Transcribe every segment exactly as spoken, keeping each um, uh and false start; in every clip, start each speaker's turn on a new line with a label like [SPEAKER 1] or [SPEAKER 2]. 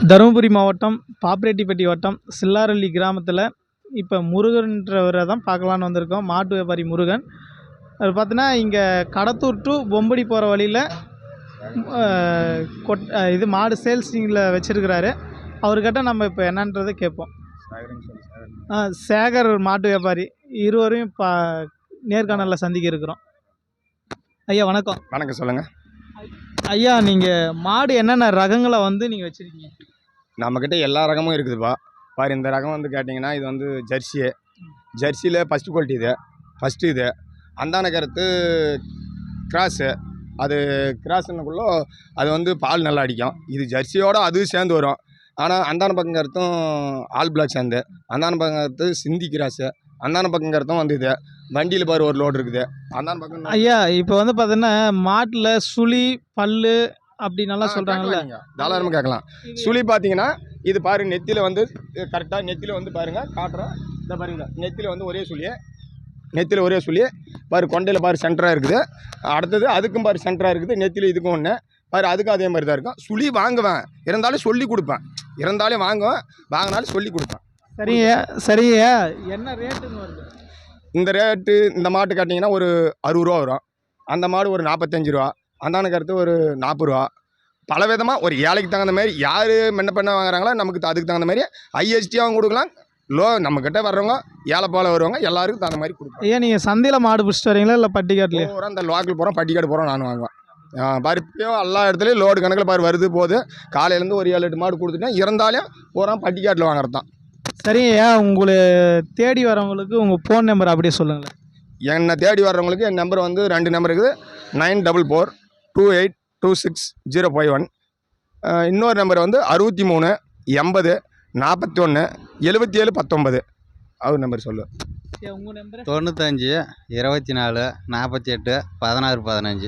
[SPEAKER 1] தருமபுரி மாவட்டம் பாப்பிரெட்டிப்பட்டி வட்டம் சில்லாரள்ளி கிராமத்தில் இப்போ முருகன்றவரை தான் பார்க்கலான்னு வந்திருக்கோம். மாட்டு வியாபாரி முருகன். அது பார்த்தீங்கன்னா இங்கே கடத்தூர் டு பொம்படி போகிற வழியில் கொட் இது மாடு சேல்ஸிங்கில் வச்சுருக்கிறாரு. அவர்கிட்ட நம்ம இப்போ என்னன்றதை கேட்போம். சேகர் மாட்டு வியாபாரி இருவரையும் பா நேர்காணலில் சந்திக்க இருக்கிறோம். ஐயா வணக்கம்.
[SPEAKER 2] வணக்கம், சொல்லுங்கள்
[SPEAKER 1] ஐயா. நீங்கள் மாடு என்னென்ன ரகங்களை வந்து நீங்கள் வச்சுருக்கீங்க?
[SPEAKER 2] நம்மக்கிட்ட எல்லா ரகமும் இருக்குதுப்பா. பாரு, இந்த ரகம் வந்து கேட்டிங்கன்னா இது வந்து ஜெர்சி. ஜெர்சியில் ஃபஸ்ட்டு குவாலிட்டி இது, ஃபஸ்ட்டு இது. அந்தான கருத்து கிராஸு. அது கிராஸுன்னுக்குள்ளே அது வந்து பால் நல்லா அடிக்கும். இது ஜெர்சியோடு அதுவும் சேர்ந்து வரும். ஆனால் அந்தான பக்கம் கருத்தும் ஆல் பிளாக் சேர்ந்து, அந்தான பக்கம் கருத்து சிந்தி கிராஸு, அந்தான பக்கம் கருத்தும் வந்து இது வண்டியில் பாரு ஒரு லோடு இருக்குது. அந்தான பக்கம்
[SPEAKER 1] ஐயா இப்போ வந்து பார்த்தீங்கன்னா மாட்டில் சுழி பல்லு அப்படி நல்லா சொல்கிறாங்கல்ல,
[SPEAKER 2] தாராளமாக கேட்கலாம். சுழி பார்த்தீங்கன்னா இது பாரு, நெத்தியில் வந்து கரெக்டாக நெத்தியில் வந்து பாருங்கள் காட்டுறோம். இந்த பாருங்க, நெத்தியில் வந்து ஒரே சுழியே, நெத்தியில் ஒரே சுழியே பாரு. கொண்டையில் பாரு சென்டராக இருக்குது. அடுத்தது அதுக்கும் பாரு சென்டராக இருக்குது. நெத்தியில் இதுக்கும் ஒன்று பாரு, அதுக்கும் அதே மாதிரி தான் இருக்கும். சுழி வாங்குவேன், இருந்தாலும் சொல்லி கொடுப்பேன். இருந்தாலும் வாங்குவேன், வாங்கினாலும் சொல்லி கொடுப்பேன்.
[SPEAKER 1] சரிங்க சரிங்க. என்ன ரேட்டுன்னு வருது?
[SPEAKER 2] இந்த ரேட்டு இந்த மாட்டு கேட்டிங்கன்னா ஒரு அறுபது ரூபா வரும். அந்த மாடு ஒரு நாற்பத்தஞ்சு ரூபா. அந்தான கருத்து ஒரு நாற்பது ரூபா. பல விதமாக ஒரு ஏழைக்கு தகுந்த மாதிரி யார் மென்ன பண்ண வாங்குறாங்களோ நமக்கு அதுக்கு தகுந்த மாதிரி ஐஎஸ்டியாகவும் கொடுக்கலாம். லோ நம்மக்கிட்ட வர்றவங்க ஏழை போல் வருவாங்க, எல்லாருக்கும் தகுந்த மாதிரி கொடுப்போம்.
[SPEAKER 1] ஐயா நீங்கள் சந்தையில் மாடு பிடிச்சிட்டு வரீங்களா இல்லை பட்டிக்காட்டிலே?
[SPEAKER 2] போகிறோம், இந்த லோக்கல் போகிறோம், பட்டிக்காடு போகிறோம், நான் வாங்குவேன். பருப்பியும் எல்லா இடத்துலையும் லோடு கணக்கில் பாரு வருது போகுது. காலையிலேருந்து ஒரு ஏழு எட்டு மாடு கொடுத்துட்டேன். இருந்தாலும் போகிறோம் பட்டிக்காட்டில் வாங்குறது தான்.
[SPEAKER 1] சரிங்கய்யா. உங்களை தேடி வரவங்களுக்கு உங்கள் ஃபோன் நம்பர் அப்படியே சொல்லுங்களேன்.
[SPEAKER 2] என்னை தேடி வர்றவங்களுக்கு என் நம்பர் வந்து ரெண்டு நம்பர் இருக்குது. Nine double four two eight two six zero five one. இன்னொரு நம்பர் வந்து அறுபத்தி மூணு எண்பது நாற்பத்தி ஒன்று எழுபத்தி ஏழு பத்தொம்பது. அவர் நம்பர் சொல்லு.
[SPEAKER 1] உங்கள் நம்பர்
[SPEAKER 3] தொண்ணூத்தஞ்சு இருபத்தி நாலு நாற்பத்தி எட்டு பதினாறு பதினஞ்சு.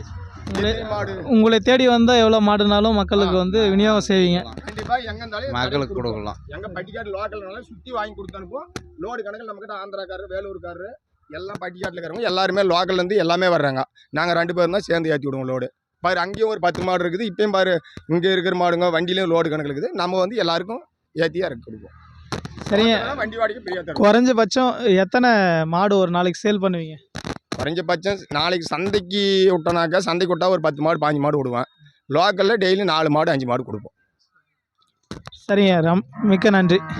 [SPEAKER 1] உங்களை தேடி வந்தால் எவ்வளோ மாடுனாலும் மக்களுக்கு வந்து விநியோகம் செய்வீங்க?
[SPEAKER 2] கண்டிப்பாக எங்கே இருந்தாலும்
[SPEAKER 3] மக்களுக்கு கொடுக்கலாம்.
[SPEAKER 2] எங்கள் பட்டிக்காடு லோக்கல்னால சுற்றி வாங்கி கொடுத்து அனுப்புவோம். லோடு கணக்கில் நம்மக்கிட்ட ஆந்திராக்காரர், வேலூர்காரர், எல்லாம் பட்டிக்காட்டில் இருக்கிறவங்க எல்லாருமே லோக்கல்லேருந்து எல்லாமே வர்றாங்க. நாங்கள் ரெண்டு பேரும் தான் சேர்ந்து ஏற்றி விடுவோம் லோடு. பாரு, அங்கேயும் ஒரு பத்து மாடு இருக்குது. இப்போயும் பாரு, இங்கே இருக்கிற மாடுங்க வண்டியிலையும் லோடு கணக்கில் இருக்குது. நம்ம வந்து எல்லாருக்கும் ஏற்றியாக இறக்கி கொடுப்போம்.
[SPEAKER 1] சரிங்க.
[SPEAKER 2] வண்டி வாடகை பிரியா.
[SPEAKER 1] குறைஞ்சபட்சம் எத்தனை மாடு ஒரு நாளைக்கு சேல் பண்ணுவீங்க?
[SPEAKER 2] குறைஞ்சபட்சம் நாளைக்கு சந்தைக்கு விட்டோனாக்கா, சந்தைக்கு விட்டா ஒரு பத்து மாடு பாஞ்சு மாடு விடுவேன். லோக்கலில் டெய்லி நாலு மாடு அஞ்சு மாடு கொடுப்போம்.
[SPEAKER 1] சரிங்க, ரம் மிக்க நன்றி.